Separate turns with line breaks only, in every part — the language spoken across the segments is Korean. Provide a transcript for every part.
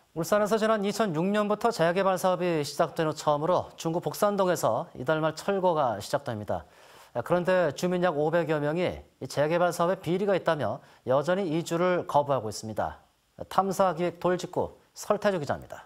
울산에서 지난 2006년부터 재개발 사업이 시작된 후 처음으로 중구 복산동에서 이달 말 철거가 시작됩니다. 그런데 주민 약 500여 명이 이 재개발 사업에 비리가 있다며 여전히 이주를 거부하고 있습니다. 탐사기획 돌직구 설태주 기자입니다.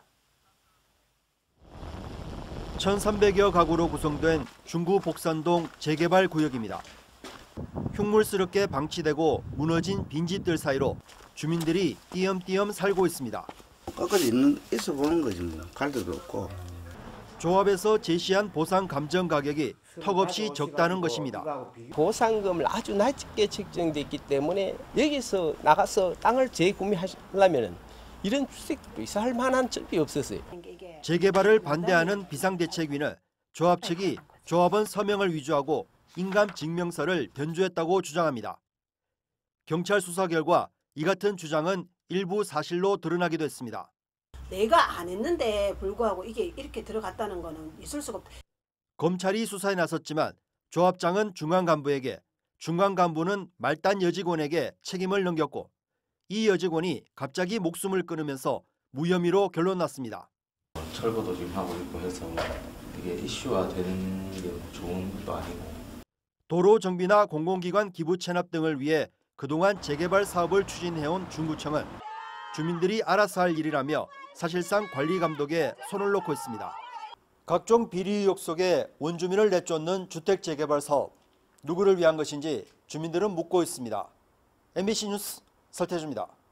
1,300여 가구로 구성된 중구 복산동 재개발 구역입니다. 흉물스럽게 방치되고 무너진 빈집들 사이로 주민들이 띄엄띄엄 살고 있습니다.
끝까지 있어 보는 거지 뭐. 갈 데도 없고.
조합에서 제시한 보상 감정 가격이 턱없이 적다는 것입니다.
보상금을 아주 낮게 책정돼 있기 때문에 여기서 나가서 땅을 재구매하려면 이런 주택도 있어 할 만한 적이 없었어요.
재개발을 반대하는 비상대책위는 조합 측이 조합원 서명을 위조하고 인감증명서를 변조했다고 주장합니다. 경찰 수사 결과 이 같은 주장은 일부 사실로 드러나기도 했습니다.
내가 안 했는데 불구하고 이게 이렇게 들어갔다는 거는 있을 수가 없다.
검찰이 수사에 나섰지만 조합장은 중앙 간부에게, 중앙 간부는 말단 여직원에게 책임을 넘겼고 이 여직원이 갑자기 목숨을 끊으면서 무혐의로 결론났습니다.
철거도 지금 하고 있고 해서 이게 이슈화 되는 게 좋은 것도 아니고.
도로정비나 공공기관 기부 체납 등을 위해 그동안 재개발 사업을 추진해온 중구청은 주민들이 알아서 할 일이라며 사실상 관리 감독에 손을 놓고 있습니다. 각종 비리 의혹 속에 원주민을 내쫓는 주택 재개발 사업, 누구를 위한 것인지 주민들은 묻고 있습니다. MBC 뉴스 설태주입니다.